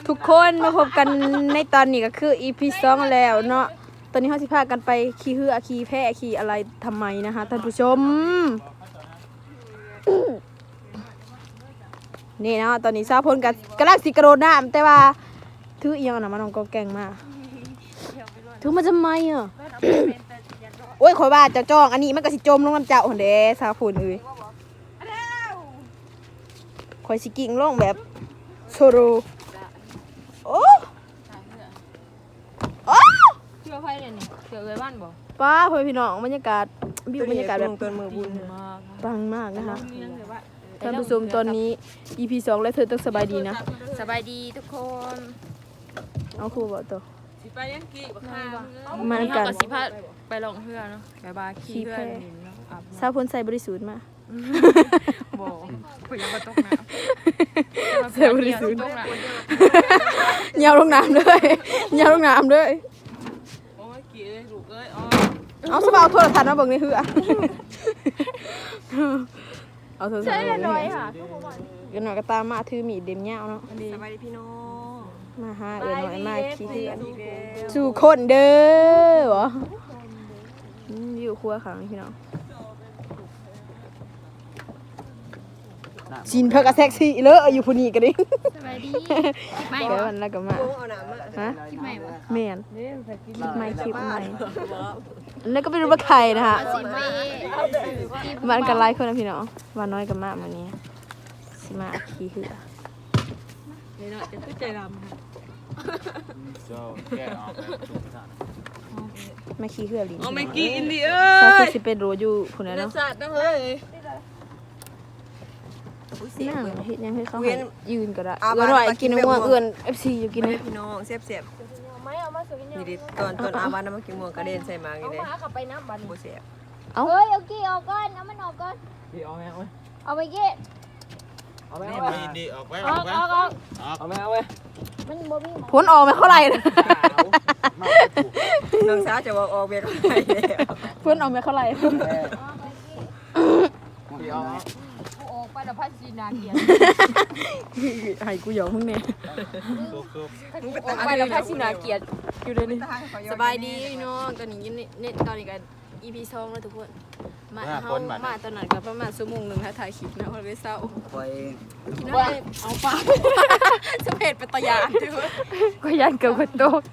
ทุกคนมาพบกันในตอนนี้ก็คือ EP 2แล้วเนาะตอนนี้เขาสิพากันไปขี่เหือขี่แพขี่อะไรทำไมนะคะท่านผู้ชมนี่เนาะตอนนี้ซาพลกับกำลังสิกระโดดน้ำแต่ว่าถือเอียงนะมันน้องก็แกงมากถือมาทำไมอ่ะ โอ้ยขอยว่าเจ้าจ้องอันนี้มันก็สิจมลงน้ำเจ้าหันเด้ซาพลเอ้ยข่อยสิกิ่งลงแบบโซโรโอ้โอ้เชื่อไฟเนี่ยนี่เชื่อเลยบ้านบ่ป้าพ่อพี่น้องบรรยากาศวิวบรรยากาศแบบเป็นมือบุญปังมากนะคะท่านผู้ชมตอนนี้ EP 2แล้วเธอต้องสบายดีนะสบายดีทุกคนเอาครูบอกตัวสิไปยังกี่บักข้าวมากันกับสิพาไปลงเพื่อเนาะไปบาขี่เพื่อนนินเนาะอาบซาพลใส่บริสุทธิ์มาบ่เพิ่นยังบ่ตกน้ำใส่บริสุทธิ์ตกน้ยาวลงน้ำเลยยาวลงน้ำเลยโอ้ยกี่เลยลูกเอ้ยอ๋อเอาสบายโทรทัศน์มาเบิ่งในเหือเอาโทรศัพท์ำใช่เลยน้อยค่ะกันหน่อยก็ตามมาถือมีดเด็มยาวเนาะสบายดีพี่น้องมาหาเอือนหน่อยมาขี้เหือนสู่คนเด้อวะอยู่ครัวขังพี่น้องชินเพิ่งกระแซกซี่เลอะอยู่พูนี่กันดิสบายดีไม่เดี๋ยวมันแล้วก็มาเอาหนามมาฮะคิดไม่บ่แม่นคลิปใหม่แล้วก็ไปดูว่าใครนะคะสิเมมันกันไล่คนนะพี่น้องวันน้อยกับมาวันนี้สิมาขี้เหือเลยเนาะจะใจดำค่ะมาขี้เหือลิ้นเอาไม่กี่อินดีเอ้ซาย สิเป็นโรอยู่คนนั้นเนื้อเนาะสัตว์นะเฮ้ยนั่งเฮ็ดยังให้เขาให้ยืนก็ได้เอาเอื้อนหน่อยกินม่วงเอื้อน FC อยู่กินเลยพี่น้องเสียบไม่เอามาสุกินนี่ดิตอนอาวันน้ำมันกินม่วงกระเด็นใส่มาอย่างนี้หาขับไปน้ำบันโบเสียบเอ้าเฮ้ยเอากี้ออกก่อนเอามันออกก่อนเอาไปกี้ดีออกไปออกออกออกเอาไม่เอาเว้ยมันบ่มีผลออกไม่เท่าไหร่นะน้องสาวจะบอกออกเบียร์ก็ได้แล้วผลออกไม่เท่าไหร่ดีเอาออกไปแล้วพัชชีนาเกียรให้กูหยอกมึงเนี่ยซุกออกไปแล้วพัชชีนาเกียรอยู่เลยนี่สบายดีน้องตอนนี้นี่ตอนนี้กัน EP 2แล้วทุกคนมาเฮามาตอนนั้นก็ประมาณชั่วโมงนึงถ้าถ่ายคลิปนะคนเลยเศร้าไปกินอะไรเอาปลาสเปดเป็นตะยานทุกคนก็ยันเกือบกระโตก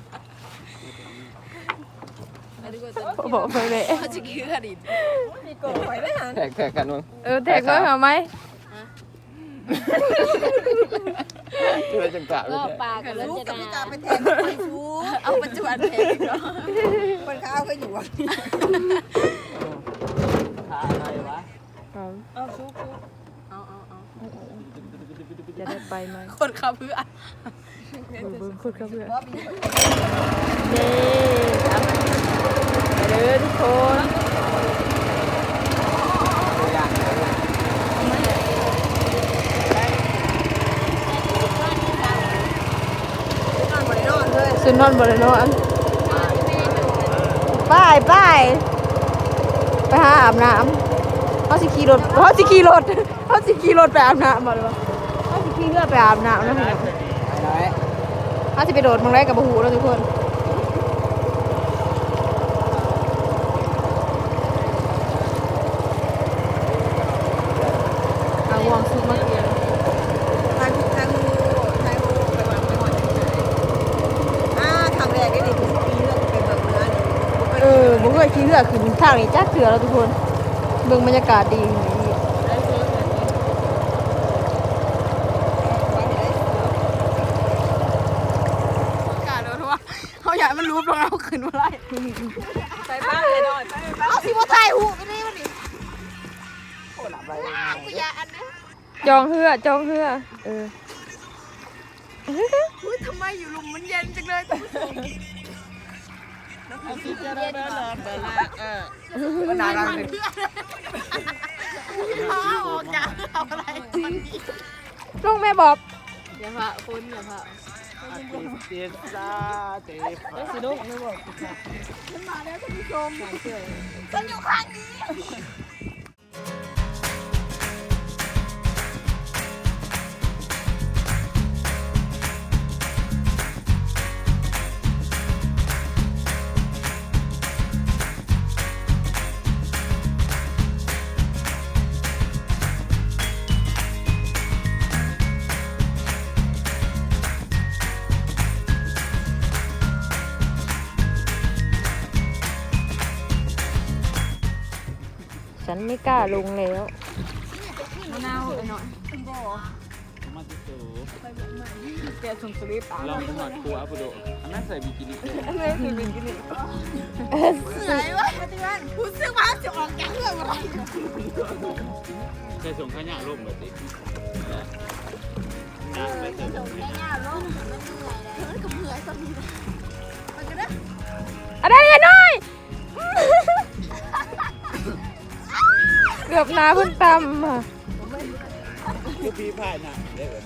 บอกไปเลยเขาจะกินกระดิ่งมีโกงไว้ได้หันแทกกันมึงแท็กว่าเอาไหมเพื่อจังกะก็ปลากับรลูกจกับนาพี่กาไปแทงไปฟูเอาปัจจุบันแท็กเนาะคนข้าวก็อยู่อ่ะขาอะไรวะเอาฟูจะได้ไปไหมคนขับเพื่อคนขับเพื่อเด้ครับเด้อทุกคนสุนทรบริโนอันไปไปหาอาบน้ำเขาสิขี่รถไปอาบน้ำมาเลยวะเขาสิขี่เรือไปอาบน้ำนะพี่น้องไหนเขาสิไปโดดมังไรกับบูหูแล้วทุกคนเอาวางซุปมาเกียร์ทางไปวางไปหมดครั้งแรกได้ดิปีเรื่องเป็นแบบนั้นผมเคยขี่เรือขึ้นทางนี้จักเถื่อแล้วทุกคนเบิ่งบรรยากาศดีเขาอยากมันรู้ตรงเราขึ้นมาไล่ไปบ้านเลยหน่อยไปบ้านเอาสิว่าถ่ายหูไปเลยวันนี้จองเหือทำไมอยู่ลุมมันเย็นจังเลยมันนานแล้วลุงแม่บอกอย่าพะคุณอย่าพะเตียซ่าเตะสิลูกไม่บอกฉันอยู่ข้างนี้เฉันไม่กล้าลงแล้วมะนาวหน่อยมาติสูแกส่งสลิปอ่ะลองหมักตัวอัปโดอันนั้นใส่บิกินี่ไม่คือบินกินนี่เหนื่อยวะปฏิวัติรู้สึกว่าจะออกแกงเรื่องอะไรใส่ส่งขยะลงแบบนี้นะใส่ส่งขยะอะไรกันหน่อยเกือบน้าเพิ่งตำอ่ะคือพี่พายนะได้เลย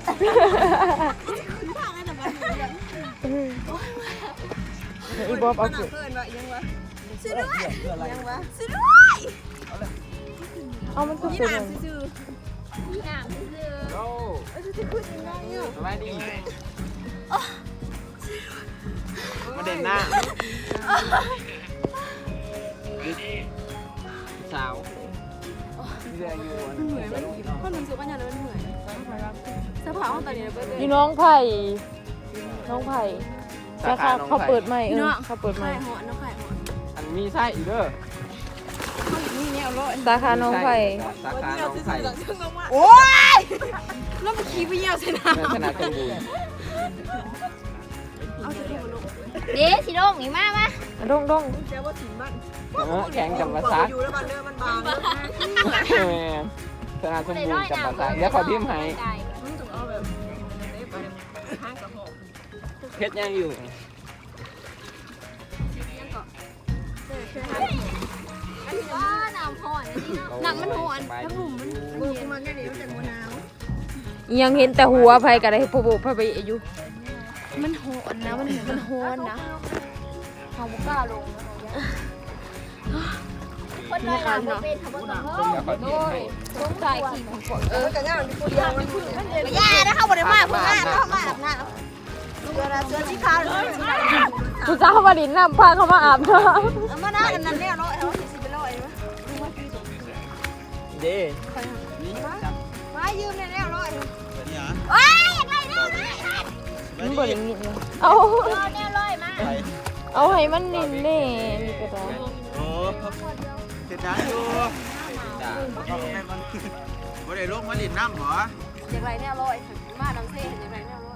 อีบอบเอาเพื่อนว่ายังวะซื้อด้วยยังวะซื้อด้วยเอามันก็ยี่เป็นหนามซื้อโอ้สบายดีมาเด่นหน้าสาวเรียนอยู่เหนื่อยไหมข้อหนึ่งซื้อปัญญาเลยมันเหนื่อยเสื้อผ้าห้องตอนนี้เราเปิดเลยอยู่น้องไผ่แต่เขาเปิดใหม่เขาเปิดใหม่ไข่หอนน้องไข่หอนอันมีไส้อีกเด้อนี่เนี่ยเอาล้อสาขาน้องไผ่สาขาน้องไผ่โอ้ยแล้วมันขี่ไปเยี่ยวใช่ไหมขนาดสมบูรณ์เอาจะดูมันลงเดี๋ยวสิลงนี่มามาดงแกว่าถิ่นบ้านแข่งกับภาษาอยู่แล้วบ้านเรือมันบางขนาดสมบูรณ์กับภาษาเดี๋ยวขอพิมพ์ให้มึงต้องเอาแบบไปห้างกับหอเพชรยังอยู่ว้าน้ำพอนนี่เนาะหนังมันหอนทั้งหลุมมันเย็นมันเนี่ยเดี๋ยวจะมะนาวยังเห็นแต่หัวไผ่กับไอ้ปูไผ่ไปอยู่มันหอนนะมันหอนนะเขาบุกล้าลงคนน้อยหนาบ่เป็นทำบ่ต้องเฮ้เดี๋ยวขอพิมพ์ให้สงสัยขี่ผมก่อนแต่ง่ายมันกูเดียวมันเย็นย่านะเขาบ่ได้มาเพิ่นมาเขามาอาบน้เสื้อสีขาวหรือสีดำผู้เจ้ามาดินน้ำพาเขามาอาบน้เอามาหน้ากันนั่นเนี่ยร้อยเอาสิเป็นร้อยมั้ยเด้นี่จับมายืมเนี่ยร้อยนี่ฮะำโอ้ยอยากได้แนวเลยำมันบ่ได้ยินเลยเอาเอาแนวเลยมาเอาให้มันนิ่มแน่นี่ก็ได้โอ้เสร็จแล้วอยู่จ้าบ่ได้ลงมาดินน้ำหรออย่างไรเนี่ยร้อยมาดำเซ่อย่างไรเนี่ยร้อย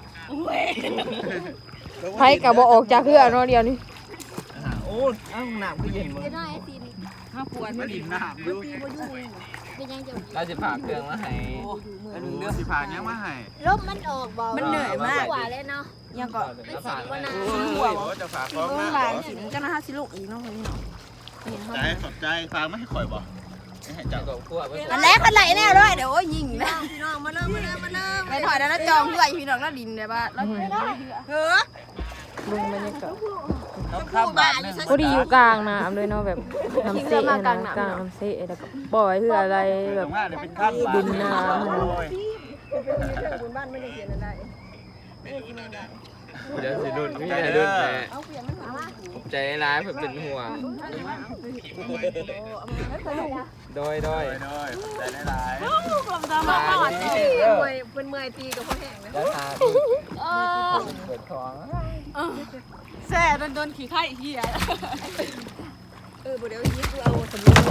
ไผ่กับบ่ออกจากเรือเนาะเดียวนี้โอ้อ้าวน้ำก็เย็นหมดจะได้สินห้าปวดมาดินน้ำอยู่เป็นยังจะเราจะผ่าเครื่องมาให้เดือดสิผ่ายังมาให้ลมมันออกบ่มันเหนื่อยมากกว่าเลยเนาะยังก็มันสิว่านาหัวจะผ่าพร้อมเมื่มาอวานสิจะน่าสิลูกอีกน้องคนนี้เนาะใจขอบใจฟังไม่ให้ข่อยบ่ให้เจ้าก็คั่วไปอันแรกคนไหนแน่ร้อยเดี๋ยวโอ้ยยิงนะพี่น้องมาเริ่มไปถอยแล้วจองเพื่อพี่น้องแล้วดินเลยบ้าแล้วเฮ้อลุงบรรยากาศข้ามบาทนึงพอดีอยู่กลางน้ำเลยเนาะแบบน้ำเซ่นะกลางน้ำเซ่แล้วก็ปล่อยเพื่ออะไรแบบว่าเดี๋ยวเป็นข้ามบาทดินน้ำบุญบ้านไม่ได้เขียนอะไรเดี๋ยวสิดุนพี่จะดุนแต่ใจร้ายเพื่อเป็นห่วงโดยใจร้ายมาเป็นเมื่อยตีกับพ่อแห้งนะแล้วทาเปิดท้องแซ่โดนขี่ไข่เหี้ยบ่เดี๋ยวยิงกูเอาสมุน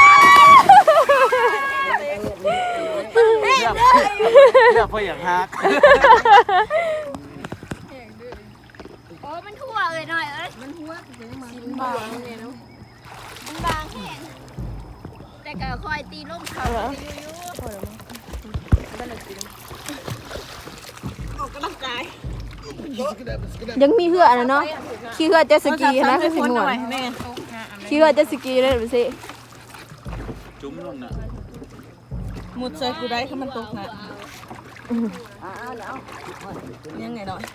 เลือกเพื่ออย่างฮักโอ้มันทั่วเลยหน่อยเอ้ยมันหัวเป็นมามันบางเนี่ยเนาะมันบางแค่แต่ก็คอยตีลมเขาอยู่ออกกำลังกายยังมีเหือนะเนาะขี่เหือเจ็ตสกีนะคือสิหนวดขี่เหือเจ็ตสกีเลยดูสิจุ้มลงน่ะมุดใส่กูได้ถ้ามันตกนะยังไงหน่อย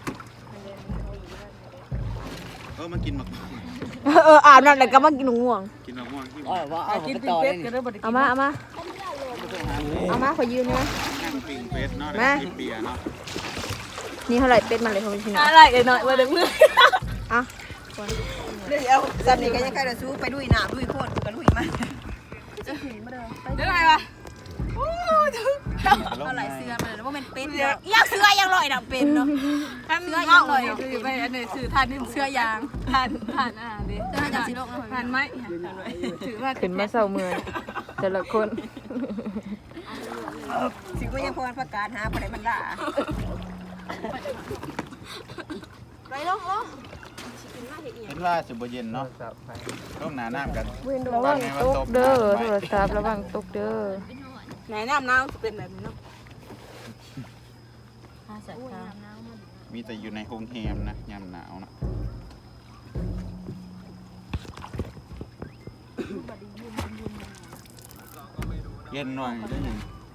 มันกินหมักอาบน้ำแล้วก็มากินง่วงกินหมักม่วงที่กินปิ้งเป็ดก็ได้บ่ได้เอามาขอยืมได้ไหมนั่งปิงเฟสเนาะกินเบียร์เนาะนี่เท่าไหร่เป็ดมันเลยเขาไม่ใช่หนออะไรหน่อยว่าเดี๋ยวมืออ่ะเดี๋ยวซันนี่ก็ยังใครจะสู้ไปดุยหนาดุยโคตรก็ดุยมากเดี๋ยวไหนวะเอาหลายเสื้อมาแล้วว่ามันเป็นอยากเสื้อยังลอยดับเป็นเนาะเสื้อยางเลยคือไปอันนี้ซื้อทานนี่เสื้อยางทานดิเสื้อจากสีโลกทานไหมถือว่าขึ้นมาเศร้าเมืองแต่ละคนสิก็ยังพอประกาศหาอะไรมันด่าไปลงเห็นว่าสิบ่เย็นเนาะลงหน้าน้ำกันระวังตกเด้อโทรศัพท์ระวังตกเด้อไหนน้ำน้ำเป็นแบบนี้เนาะมีแต่อยู่ในโรงแรมนะยามหนาวนะเย็นหน่อยได้ยิน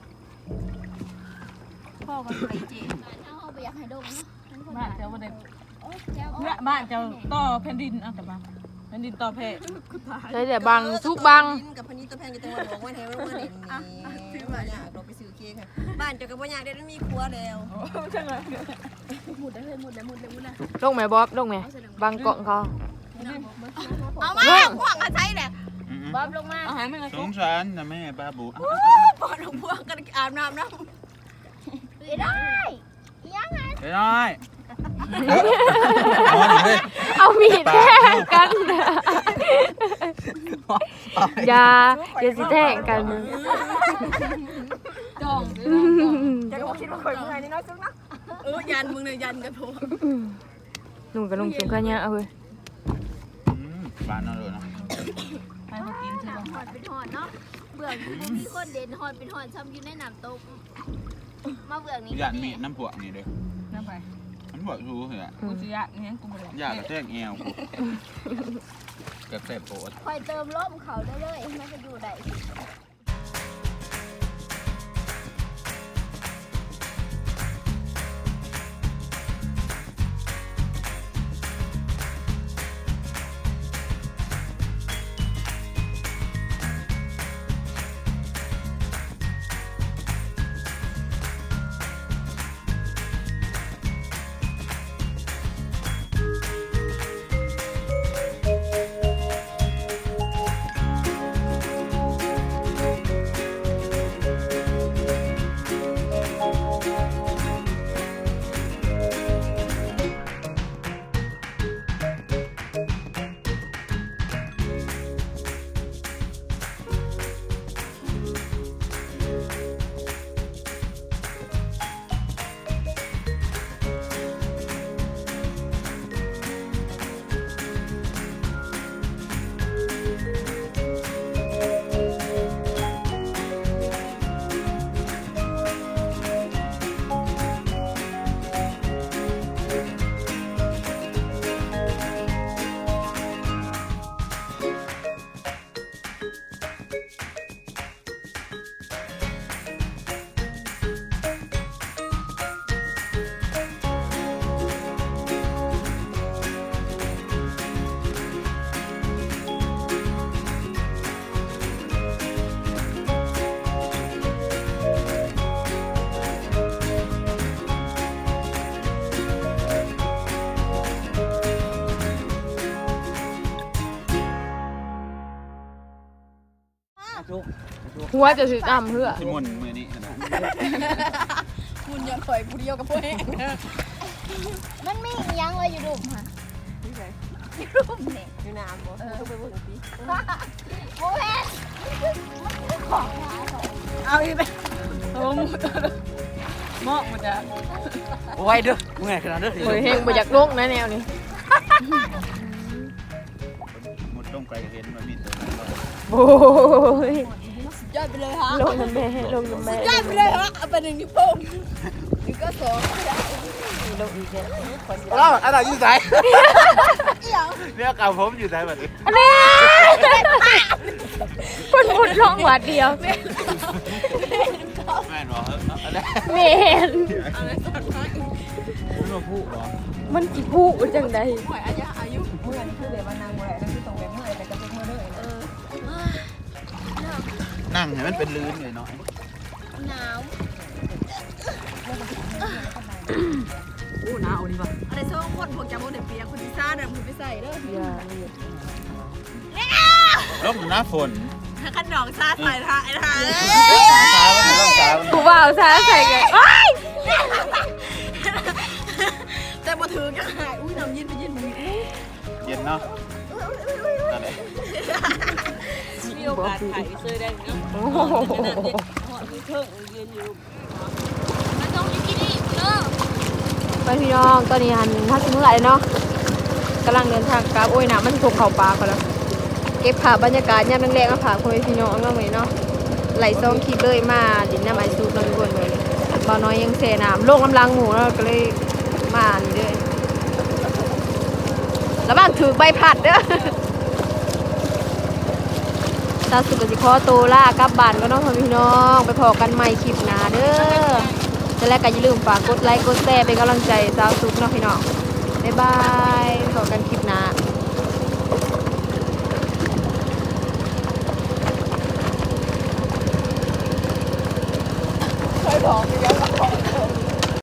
พ่อก็ไปจีเอาไปอยากให้ดงเนาะบ้านเจ้าบ่ได้โอ้ยแจ้วเนี่ยบ้านเจ้าต่อแผ่นดินเอาแต่บ้านแผ่นดินต่อเพศได้แต่บังทุกบังกับพนี้ตัวแพงกับตัวบอกว่าแทนว่าเด่นนี่ว่าอยากเราไปซื้อเค้กค่ะบ้านเจ้ากับว่าอยากได้มีครัวแล้วหมุดได้เลยหมุดเลยหมุดเลยหมุดเลยลงไหมบ๊อบลงไหมบังเกาะเขาเอามาพวกมาใช้แหละบ๊อบลงมาอาหารไม่ละสงสารนะแม่บ้าบูปอดของพวกกันอาบน้ำนะได้ยังไงไปหน่อยนอนอยู่เลยเอามีดแทงกันอย่าสิแทงกันจ้องจะก็คิดว่าคนเมื่อไงนี่น้อยจุ๊กนะยันมึงเลยยันกันโถหนุ่มกับลุงสูงกันเนี่ยเอาเว้ยบ้านนอนเลยเนาะให้มากินใช่ไหมหอดเป็นหอดเนาะเบื่อมีคนเด่นหอดเป็นหอดซ้ำอยู่ในน้ำตกมาเบื่อนี้อยากมีน้ำพวกนี่เด้อน้ำไปน้ำพวกรู้เหรอกูจะยะเนี่ยกูบ่ได้อยากกระแทกแอวกูกระแทกโปดคอยเติมลมเขาได้เลยมันจะอยู่ได้หัวจะถืออ้ำเพื่อที่มุนมือนี้นะคุณอย่าปล่อยผู้เดียวกับพวกเองมันมีอีหยังเลยอยู่ดุมค่ะดุมเนี่ยอยู่น้ำบ่ต้องไปเบิ่งสิโอ้ยเอาอีกไปโอ้หมูหม้อมันจะโอ้ยเด้อเมื่อยขนาดเด้อโอ้ยเฮงบ่อยากลงนะแนวนี้หมดต้องไกลเห็นมันมีตัวโอ้ยยอดไปเลยฮะลงน้ำแม่ลงน้ำแม่ยอดไปเลยฮะเอาไป1นิ้วโป้งนี่ก็2 ลงอีกแล้วเราอะไรอยู่ไหนเนี่ยเก่าผมอยู่ไหนแบบนี้อันนี้คนมุดลงวัดเดียวแม่หรออะไรเมนไม่มาพูดหรอมันกี่ผู้จังใดหอยอายุเมื่อนี่คือเดี๋ยวมานางบ่ได้นั่นคือตรงแบบเมื่อแต่ก็เป็นเมื่อเด้อนั่งให้มันเป็นลื้นเลยเนาะหนาวอู้หนาวดีป่ะอะไรโซ่คนพวกจะโมเดลเปียคนที่ซ่าเนี่ยมึงไปใส่เด้ออย่าร่มหน้าฝนขนมซาใส่ท่าไอ้ท่าตามันต้องตามันกูว่าเอาซะใส่กันแต่มาถือกันหายอุ้ยน้ำเย็นไปเย็นมือเย็นเนาะนั่นแหละมีโอกาสถ่ายซื้อได้เนาะโอ้โหหอดมีเครื่องยืนอยู่มาตรงนี้ที่นี่เด้อไปพี่น้องตอนนี้หันถ้าสิมื้อไหลเนาะกำลังเดินทางกลับโอ้ยน้ำมันถูกเข่าปลาก่อนแล้วเก็บภาพบรรยากาศยามแรงๆมาฝากคนพี่น้องเนาะมื้อนี้เนาะไหลซ่องคลิปเลยมาดินน้ำไอซูดเนาะทุกคนเลยบ่าวน้อยยังเสน้ำโลกน้ำลังหมูเนาะก็เลยมานี่เด้อระวังถือใบพัดเด้อ ตาสุกสิขอโตวล่ากลับบ้านก็น้องพี่น้องไปพอกันใหม่คลิปหน้าเด้อจะแรกก็อย่าลืมฝากกดไลค์กดแชร์เป็นกำลังใจสาวสุกเนาะพี่น้องบ๊ายบายพอกันคลิปหน้าเคยบอกไปแล้วว่า